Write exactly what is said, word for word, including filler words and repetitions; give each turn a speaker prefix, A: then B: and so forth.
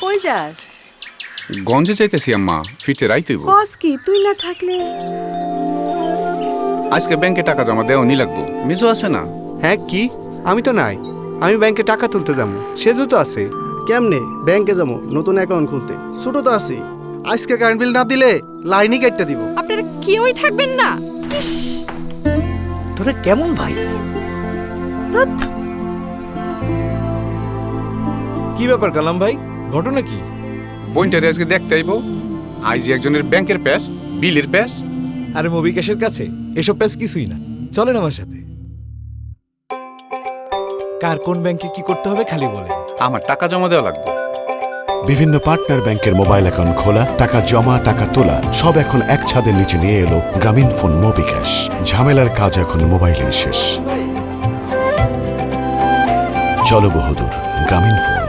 A: কই যাস?
B: গঞ্জে যাইতেছি আম্মা, ফিরতে রাইতেইব।
A: কস কি তুই না থাকলে?
B: আজকে ব্যাংকে টাকা জমা দেওয়ানি লাগবো, মেজো আছে না?
C: হ্যাঁ কি? আমি তো নাই। আমি ব্যাংকে টাকা তুলতে যাবো, সেজু তো আছে।
D: কেমনে ব্যাংকে যাবো নতুন অ্যাকাউন্ট খুলতে? ছোট তো আছি, আজকে কারেন্ট বিল না দিলে লাইনই কেটে দিব।
A: আপনারা কেউই থাকবেন না? ইস,
D: তোরা কেমন ভাই?
A: ধ্যাৎ।
E: কি ব্যাপার কালাম ভাই, ঘটনা কি?
B: বইনটারে আজকে দেখতে আইব। আইজি একজনের ব্যাংকের প্যাস, বিলের প্যাস।
E: আরে মবিকাশের কাছে এসব প্যাস কিছুই না, চলেন আমার সাথে। কার কোন ব্যাংকে কি করতে হবে খালি বলেন।
B: আমার টাকা জমা দেওয়া লাগবে।
F: বিভিন্ন পার্টনার ব্যাংকের মোবাইল অ্যাকাউন্ট খোলা, টাকা জমা, টাকা তোলা সব এখন এক ছাদের নিচে নিয়ে এলো গ্রামীণ ফোন মোবিক্যাশ। ঝামেলার কাজ এখন মোবাইলেই শেষ। চলো বহুদূর গ্রামীণ ফোন।